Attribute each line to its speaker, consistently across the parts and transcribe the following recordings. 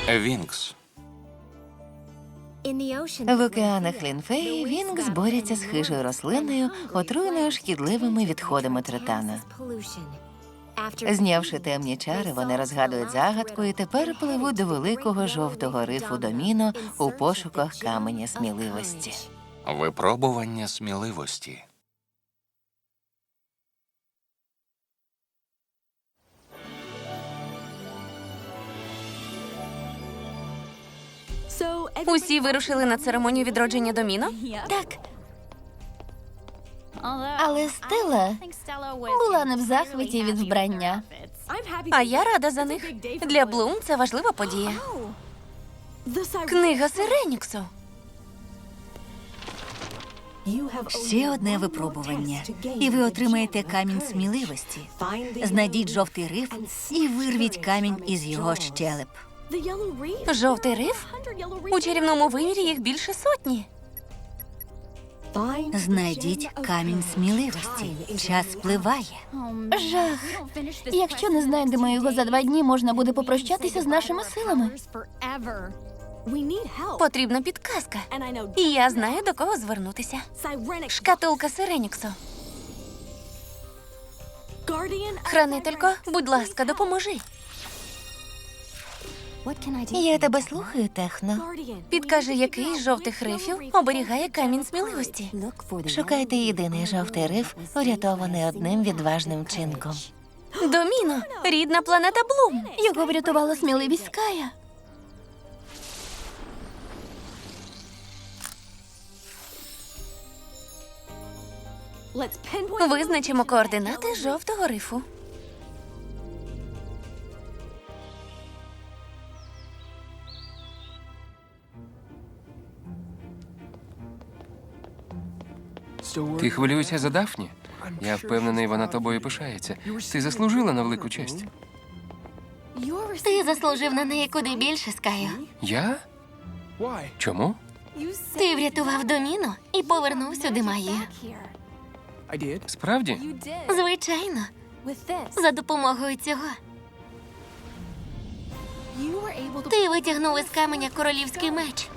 Speaker 1: Вінкс.
Speaker 2: В океанах Лінфеї Вінкс борються з хижою рослиною, отруєною шкідливими відходами тритана. Знявши темні чари, вони розгадують загадку і тепер пливуть до великого жовтого рифу Доміно у пошуках каменя сміливості.
Speaker 1: Випробування сміливості.
Speaker 3: Усі вирушили на церемонію відродження Доміно?
Speaker 4: Так. Але Стелла була не в захваті від вбрання.
Speaker 3: А я рада за них. Для Блум це важлива подія. Книга Сиреніксу.
Speaker 5: Ще одне випробування, і ви отримаєте камінь сміливості. Знайдіть жовтий риф і вирвіть камінь із його щелеп.
Speaker 3: Жовтий риф? У чарівному вимірі їх більше сотні.
Speaker 5: Знайдіть камінь сміливості. Час спливає.
Speaker 4: Жах. Якщо не знайдемо його за 2 дні, можна буде попрощатися з нашими силами.
Speaker 3: Потрібна підказка. І я знаю, до кого звернутися. Шкатулка Сиреніксу. Хранителько, будь ласка, допоможи.
Speaker 2: Я тебе слухаю, Техно.
Speaker 3: Підкажи, який з жовтих рифів оберігає камінь сміливості.
Speaker 2: Шукайте єдиний жовтий риф, врятований одним відважним вчинком.
Speaker 3: Доміно, рідна планета Блум.
Speaker 4: Його врятувала сміливість Ская.
Speaker 3: Визначимо координати жовтого рифу.
Speaker 6: Ти хвилюєшся за Дафні? Я впевнений, вона тобою пишається. Ти заслужила на велику честь.
Speaker 4: Ти заслужив на неї куди більше, Скаю.
Speaker 6: Я? Чому?
Speaker 4: Ти врятував Доміно і повернув сюди магію.
Speaker 6: Справді?
Speaker 4: Звичайно, за допомогою цього. Ти витягнув із каменя королівський меч.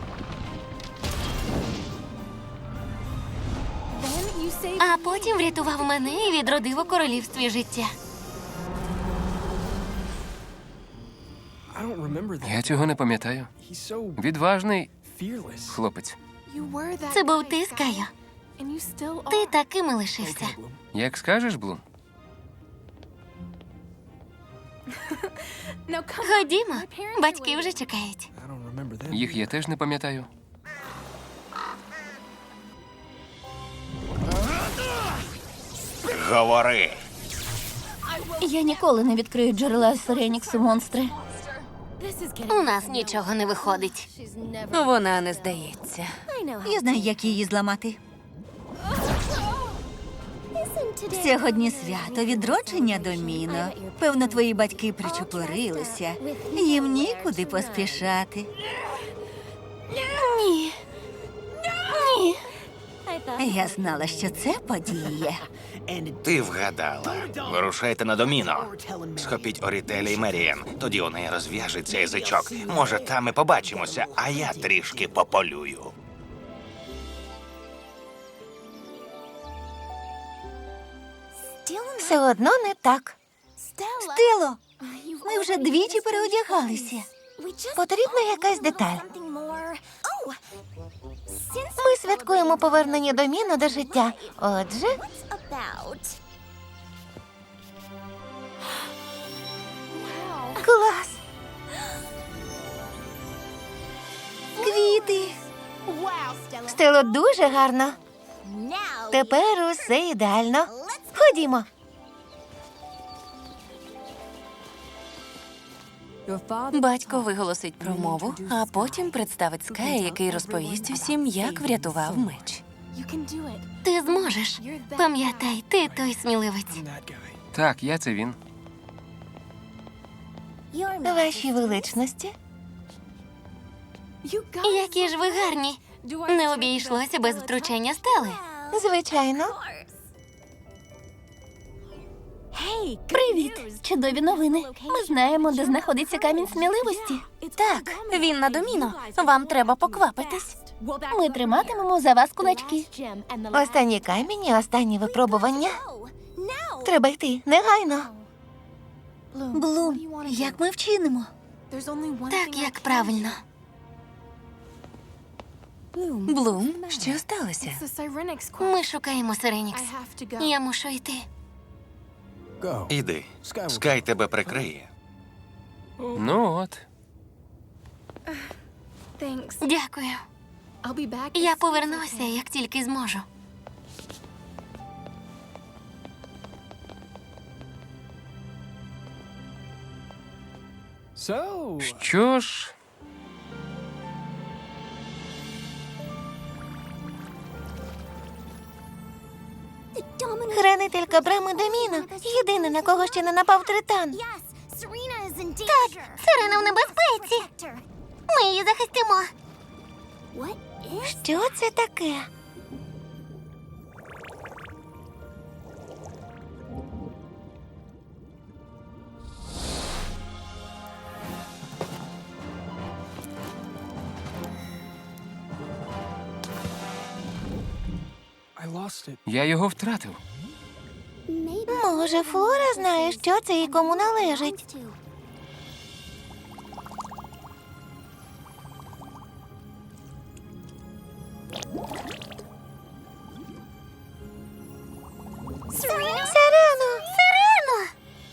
Speaker 4: А потім врятував мене і відродив у королівстві життя.
Speaker 6: Я цього не пам'ятаю. Відважний хлопець.
Speaker 4: Це був ти, Скаю. Ти таким і лишився.
Speaker 6: Як скажеш, Блум?
Speaker 4: Ходімо, батьки вже чекають.
Speaker 6: Їх я теж не пам'ятаю.
Speaker 1: Говори.
Speaker 4: Я ніколи не відкрию джерела Сиреніксу, монстри. У нас нічого не виходить.
Speaker 3: Вона не здається.
Speaker 5: Я знаю, як її зламати. Сьогодні свято відродження Доміно. Певно, твої батьки причепурилися. Їм нікуди поспішати.
Speaker 4: Ні. Ні.
Speaker 5: Я знала, що це подіє.
Speaker 1: Ти вгадала. Вирушайте на Доміно. Схопіть Орітеля і Меріан. Тоді у неї розв'яжеться язичок. Може, там і побачимося, а я трішки пополюю.
Speaker 2: Все одно не так.
Speaker 5: Стело, ми вже двічі переодягалися.
Speaker 2: Потрібна якась деталь. Ми святкуємо повернення Доміно до життя. Отже, клас!
Speaker 5: Квіти.
Speaker 2: Стело, дуже гарно. Тепер усе ідеально. Ходімо.
Speaker 3: Батько виголосить промову, а потім представить Ская, який розповість усім, як врятував меч.
Speaker 4: Ти зможеш. Пам'ятай, ти той сміливець.
Speaker 6: Так, я це він.
Speaker 2: Ваші величності.
Speaker 4: Які ж ви гарні. Не обійшлося без втручання Стели.
Speaker 2: Звичайно.
Speaker 4: Привіт! Чудові новини. Ми знаємо, де знаходиться камінь сміливості.
Speaker 3: Так, він на доміно. Вам треба поквапитись.
Speaker 4: Ми триматимемо за вас кулачки.
Speaker 2: Останній камінь і останнє випробування. Треба йти негайно.
Speaker 5: Блум, як ми вчинимо?
Speaker 3: Так, як правильно. Блум, що сталося? Ми шукаємо Сиренікс. Я мушу йти.
Speaker 1: Іди. Скай тебе прикриє.
Speaker 6: Ну от.
Speaker 3: Дякую. Я повернуся, як тільки зможу.
Speaker 6: Що ж,
Speaker 2: Хранителька брами Доміно. Єдина, на кого ще не напав Тритан.
Speaker 4: Так, Сирена в небезпеці. Ми її захистимо.
Speaker 2: Що це таке?
Speaker 6: я його втратив.
Speaker 2: Може, Флора знає, що це і кому належить. Сирено!
Speaker 4: Сирено!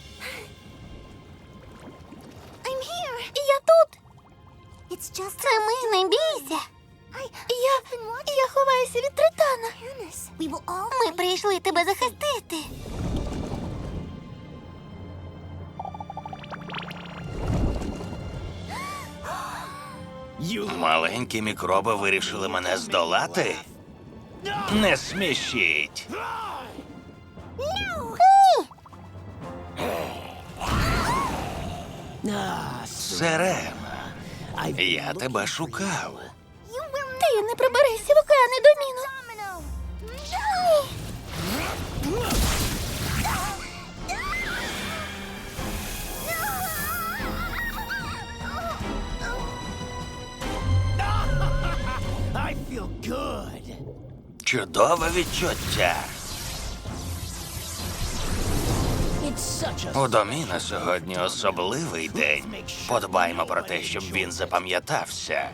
Speaker 4: Я тут. Це ми, не бійся. Я ховаюся від Тритана. Ми прийшли тебе захистити.
Speaker 1: Маленькі мікроби вирішили мене здолати? Не смішіть. Сирена, я тебе шукав.
Speaker 4: Ти не приберешся в океани Доміно.
Speaker 1: Чудове відчуття. У Доміно сьогодні особливий день. Подбаймо про те, щоб він запам'ятався.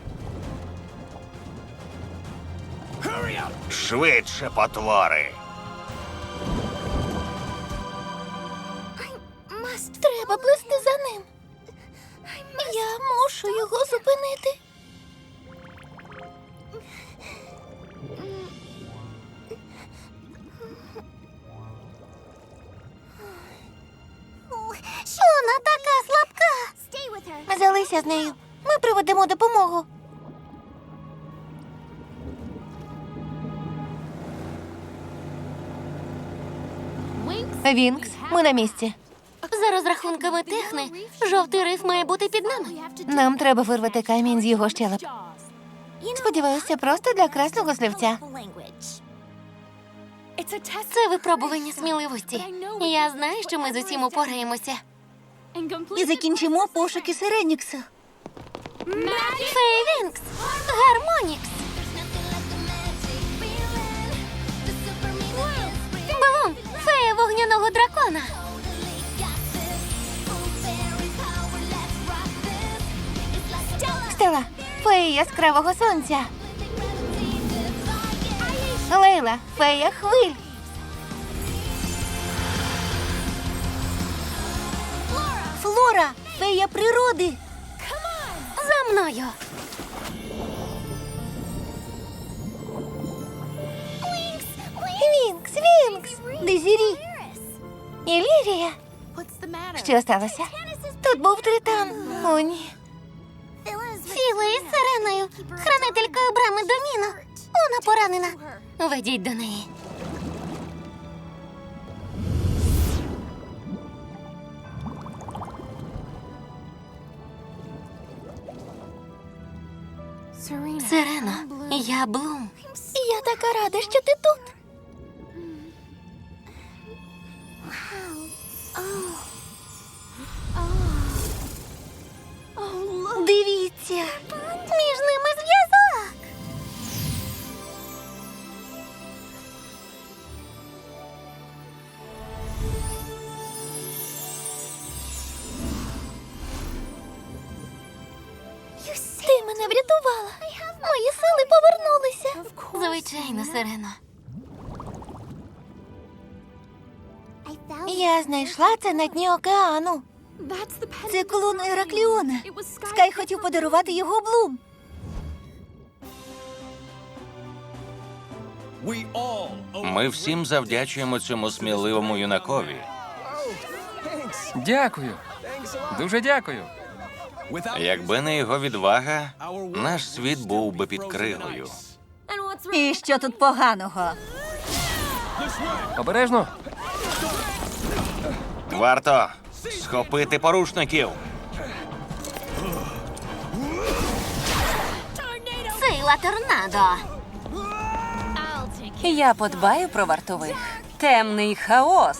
Speaker 1: Швидше, потвори!
Speaker 4: Треба плисти за ним. Я мушу його зупинити. Вона така слабка.
Speaker 2: Залися з нею. Ми приведемо допомогу. Вінкс, ми на місці.
Speaker 4: За розрахунками Техни, жовтий риф має бути під нами.
Speaker 2: Нам треба вирвати камінь з його щелеп. Сподіваюся, просто для красного слівця.
Speaker 4: Це випробування сміливості. Я знаю, що ми з усім упораємося.
Speaker 5: І закінчимо пошуки Сиренікса.
Speaker 4: Фейвінкс! Гармонікс! Блум! Фея вогняного дракона!
Speaker 2: Стела, фея яскравого сонця. Лейла, фея хвиль.
Speaker 5: Флора, фея природи.
Speaker 4: За мною!
Speaker 2: Вінкс, Вінкс.
Speaker 5: Дезірі.
Speaker 2: Ілірія. Що сталося? Тут був Тритан. О, ні.
Speaker 4: Філа із Сиреною, хранителькою брами Доміно. Вона поранена. Ведіть до неї. Сирено, я Блум.
Speaker 2: Я така рада, що ти тут.
Speaker 4: мене врятувала. Мої сили повернулися.
Speaker 3: Звичайно, Сирено.
Speaker 4: Я знайшла це на дні океану.
Speaker 5: Це колон Еракліона. Скай хотів подарувати його Блум.
Speaker 1: Ми всім завдячуємо цьому сміливому юнакові.
Speaker 6: Дякую. Дуже дякую.
Speaker 1: Якби не його відвага, наш світ був би під кригою.
Speaker 5: І що тут поганого?
Speaker 6: Обережно.
Speaker 1: Варто схопити порушників.
Speaker 4: Сила торнадо.
Speaker 3: Я подбаю про вартових. Темний хаос.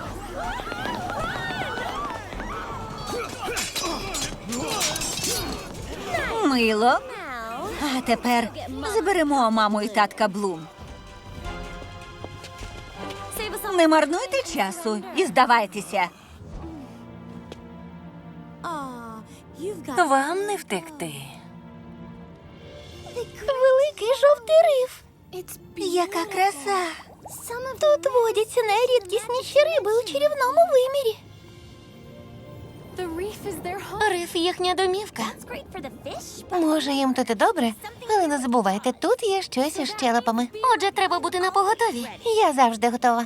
Speaker 5: Мило. А тепер заберемо маму і татка Блум. Не марнуйте часу і здавайтеся.
Speaker 3: Вам не втекти.
Speaker 4: Великий жовтий риф.
Speaker 5: Яка краса.
Speaker 4: Тут водяться найрідкісніші риби у чарівному вимірі. Риф їхня домівка. Може, їм тут і добре, але не забувайте, тут є щось із щелепами. Отже, треба бути напоготові. Я завжди готова.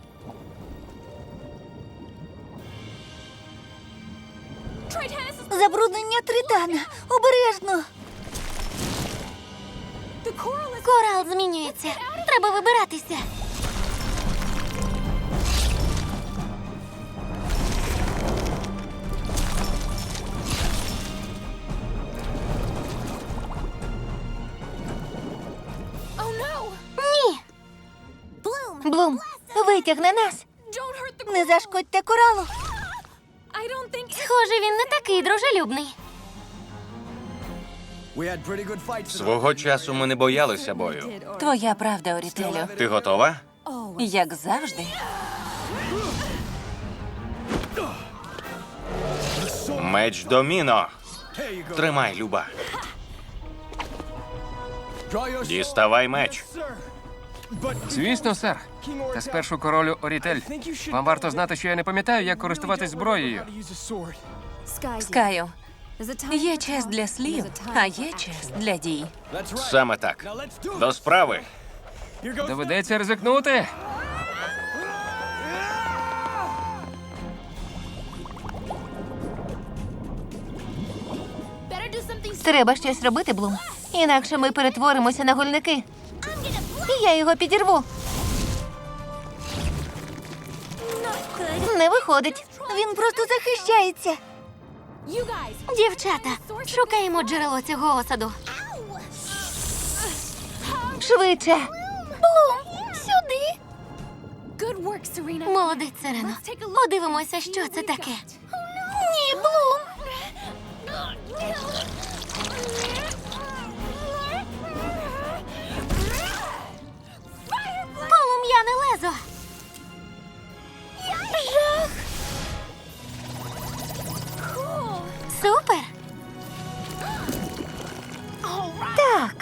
Speaker 5: Забруднення Тритана. Обережно.
Speaker 4: Корал змінюється. Треба вибиратися. Ні. Блум, витягни нас.
Speaker 5: Не зашкодьте коралу.
Speaker 4: Схоже, він не такий дружелюбний.
Speaker 1: Свого часу ми не боялися бою.
Speaker 3: Твоя правда, Орітелю.
Speaker 1: Ти готова?
Speaker 3: Як завжди.
Speaker 1: Меч Доміно. Тримай, Люба. Діставай меч.
Speaker 6: Звісно, сер. Та спершу королю Орітель. Вам варто знати, що я не пам'ятаю, як користуватись зброєю.
Speaker 3: Скаю, є час для слів, а є час для дій.
Speaker 1: Саме так. До справи.
Speaker 6: Доведеться ризикнути.
Speaker 4: Треба щось робити, Блум. Інакше ми перетворимося на гульники. І я його підірву. Не виходить.
Speaker 5: Він просто захищається.
Speaker 4: Дівчата, шукаємо джерело цього осаду. Швидше. Блум, сюди. Молодець, Сирено. Подивимося, що це таке. Ні, Блум. Полум'яне лезо. Жах. Супер. Так.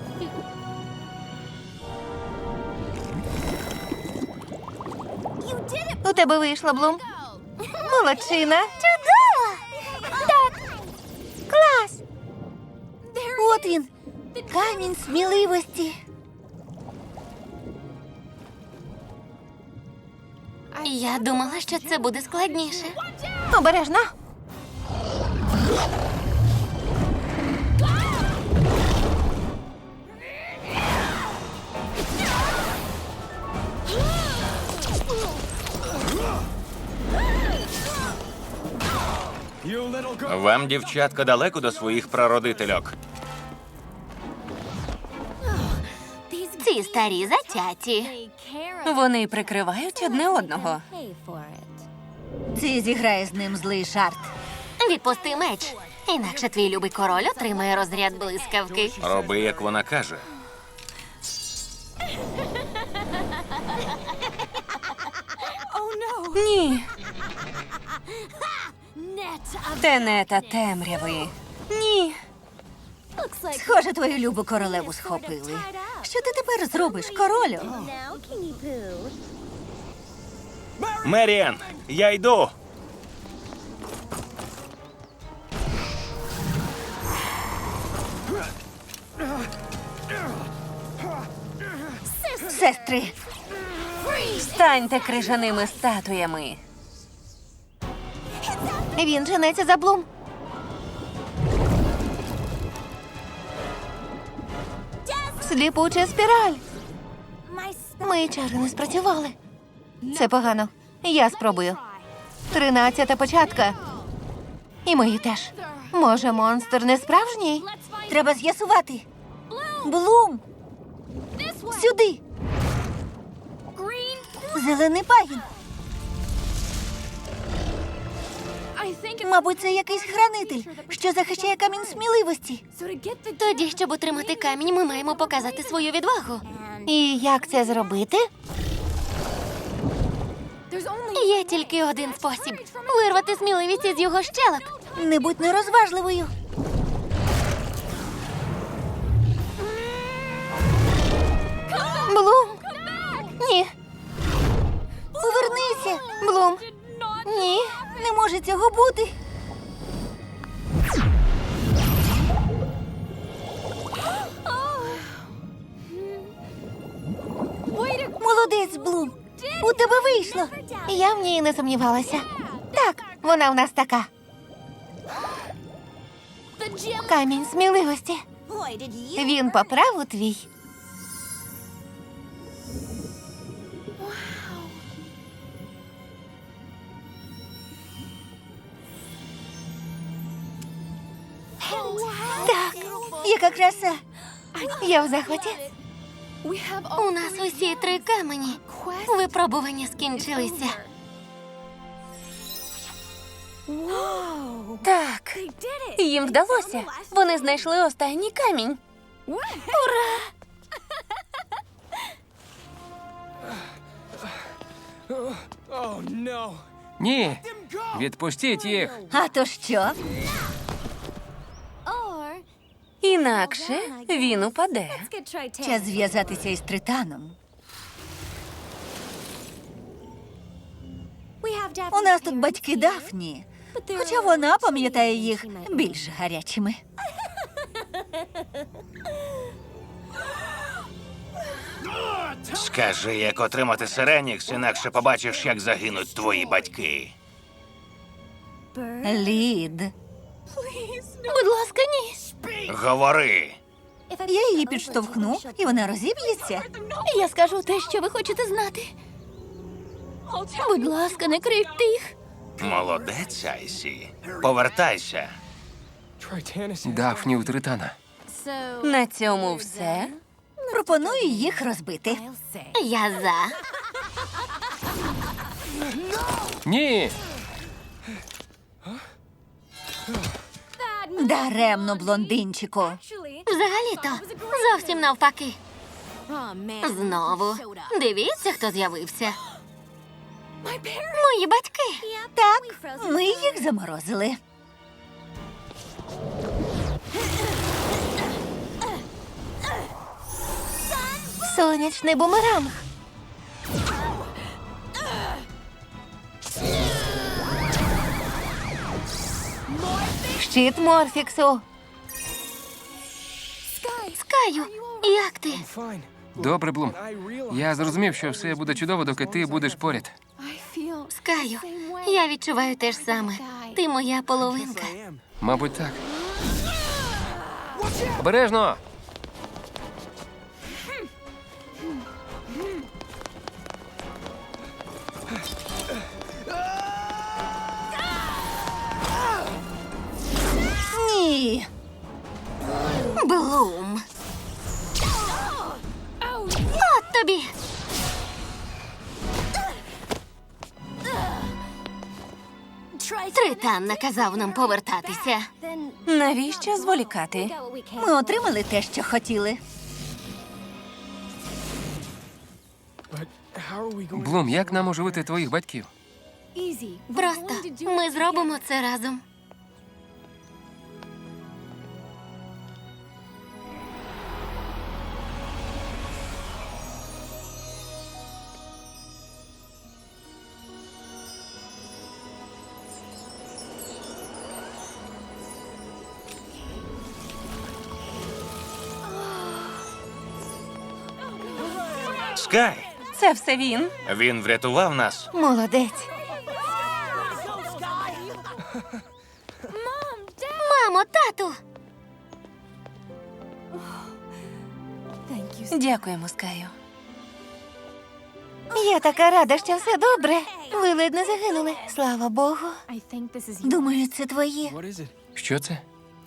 Speaker 4: У тебе вийшло, Блум. Молодчина. Чудово. Так. Клас.
Speaker 5: От він. Камінь сміливості.
Speaker 4: Я думала, що це буде складніше. Обережно.
Speaker 1: Вам, дівчатка, далеко до своїх прародительок.
Speaker 4: Ці старі затяті.
Speaker 3: Вони прикривають одне одного.
Speaker 5: Це зіграє з ним злий жарт.
Speaker 4: Відпусти меч. Інакше твій любий король отримає розряд блискавки.
Speaker 1: Роби, як вона каже.
Speaker 3: Ні. Тенета темряви. Ні.
Speaker 5: Схоже, твою любу королеву схопили. Що ти тепер зробиш, королю?
Speaker 1: Меріан, я йду.
Speaker 5: Сестри,
Speaker 3: Станьте крижаними статуями.
Speaker 4: Він женеться за Блум. Сліпуча спіраль. Мої чари не спрацювали. Це погано. Я спробую. 13-та початка. І мої теж. Може, монстр не справжній?
Speaker 5: треба з'ясувати. Блум! Сюди! Зелений пагін. Мабуть, це якийсь хранитель, що захищає камінь сміливості.
Speaker 4: Тоді, щоб отримати камінь, ми маємо показати свою відвагу. І як це зробити? Є тільки один спосіб – вирвати сміливість із його щелеп.
Speaker 5: Не будь нерозважливою.
Speaker 4: Блум! Ні.
Speaker 5: Повернися.
Speaker 4: Блум! Ні.
Speaker 5: Не може цього бути. Молодець, Блум. У тебе вийшло.
Speaker 4: Я в ній не сумнівалася. Так, вона в нас така. Камінь сміливості. Він по праву твій.
Speaker 5: Так, яка краса.
Speaker 4: Я в захваті. У нас усі 3 камені. Випробування скінчилися.
Speaker 3: Так, їм вдалося. Вони знайшли останній камінь.
Speaker 6: Ні, відпустіть їх.
Speaker 5: А то що?
Speaker 3: Інакше він упаде.
Speaker 5: Час зв'язатися із Тританом. У нас тут батьки Дафні, хоча вона пам'ятає їх більш гарячими.
Speaker 1: Скажи, як отримати Сиренікс, інакше побачиш, як загинуть твої батьки.
Speaker 5: Лід.
Speaker 4: Будь ласка, ні.
Speaker 1: Говори.
Speaker 5: Я її підштовхну, і вона розіб'ється.
Speaker 4: Я скажу те, що ви хочете знати. Будь ласка, не крийте їх.
Speaker 1: Молодець, Айсі. Повертайся.
Speaker 6: Дафні у Тритана.
Speaker 3: На цьому все.
Speaker 5: Пропоную їх розбити.
Speaker 4: Я за.
Speaker 6: Ні!
Speaker 5: Даремно, блондинчику.
Speaker 4: Взагалі-то зовсім навпаки. Знову. Дивіться, хто з'явився. Мої батьки.
Speaker 5: Так, ми їх заморозили.
Speaker 4: Сонячний бумеранг. Щит Морфіксу. Скаю, як ти?
Speaker 6: Добре, Блум. Я зрозумів, що все буде чудово, доки ти будеш поряд.
Speaker 4: Скаю, я відчуваю те ж саме. Ти моя половинка.
Speaker 6: Мабуть, так. Обережно!
Speaker 5: Ні.
Speaker 4: Блум. От тобі. Тритан наказав нам повертатися.
Speaker 3: Навіщо зволікати?
Speaker 5: Ми отримали те, що хотіли.
Speaker 6: Блум, як нам оживити твоїх батьків?
Speaker 4: Просто ми зробимо це разом.
Speaker 1: Скай!
Speaker 3: Це все він.
Speaker 1: Він врятував нас.
Speaker 4: Молодець. Мамо, тату!
Speaker 3: Дякуємо, Скаю.
Speaker 4: Я така рада, що все добре. Ви ледь не загинули. Слава Богу.
Speaker 5: Думаю, це твоє.
Speaker 6: Що це?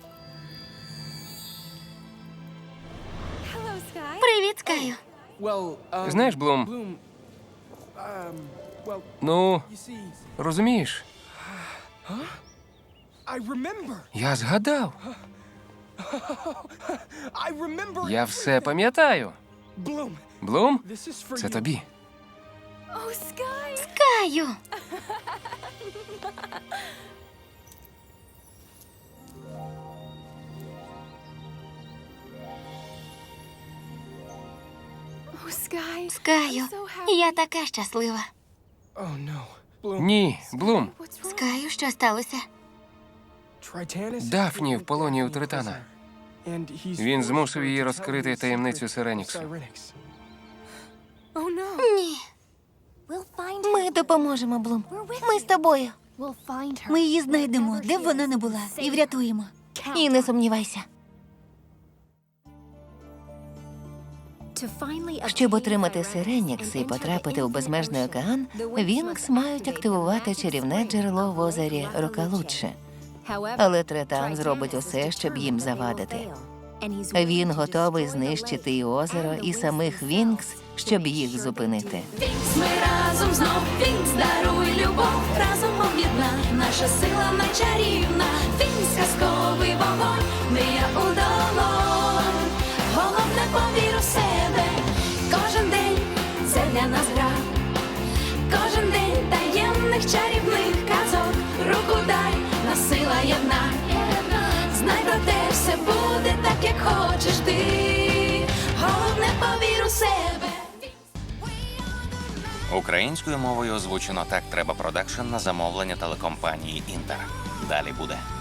Speaker 4: Привіт, Скаю.
Speaker 6: Знаєш, Блум, ну, розумієш, я згадав. Я все пам'ятаю. Блум, це тобі.
Speaker 4: Скаю. Скаю, я така щаслива.
Speaker 6: Ні, Блум,
Speaker 4: Скаю, що сталося?
Speaker 6: Дафні в полоні у Тритана. Він змусив її розкрити таємницю Сиреніксу.
Speaker 4: Ні. Ми допоможемо, Блум. Ми з тобою.
Speaker 5: Ми її знайдемо, де б вона не була, і врятуємо.
Speaker 4: І не сумнівайся.
Speaker 2: Щоб отримати Сиренікс і потрапити у безмежний океан, Вінкс мають активувати чарівне джерело в озері Рокалучче. Але Тритан зробить усе, щоб їм завадити. Він готовий знищити і озеро, і самих Вінкс, щоб їх зупинити.
Speaker 7: Ми разом знов, Вінкс, даруй любов, разом об'єдна, наша сила найчарівна, Вінкс, казковий вогонь, мрія у долонь, головне повір у себе, кожен день це для нас гра, кожен день таємних чарівних казок, руку дай, нас сила єдна, знай про те, все буде так, як хочеш ти, головне повір у себе.
Speaker 1: Українською мовою озвучено «Так треба» продакшн на замовлення телекомпанії «Інтер». Далі буде.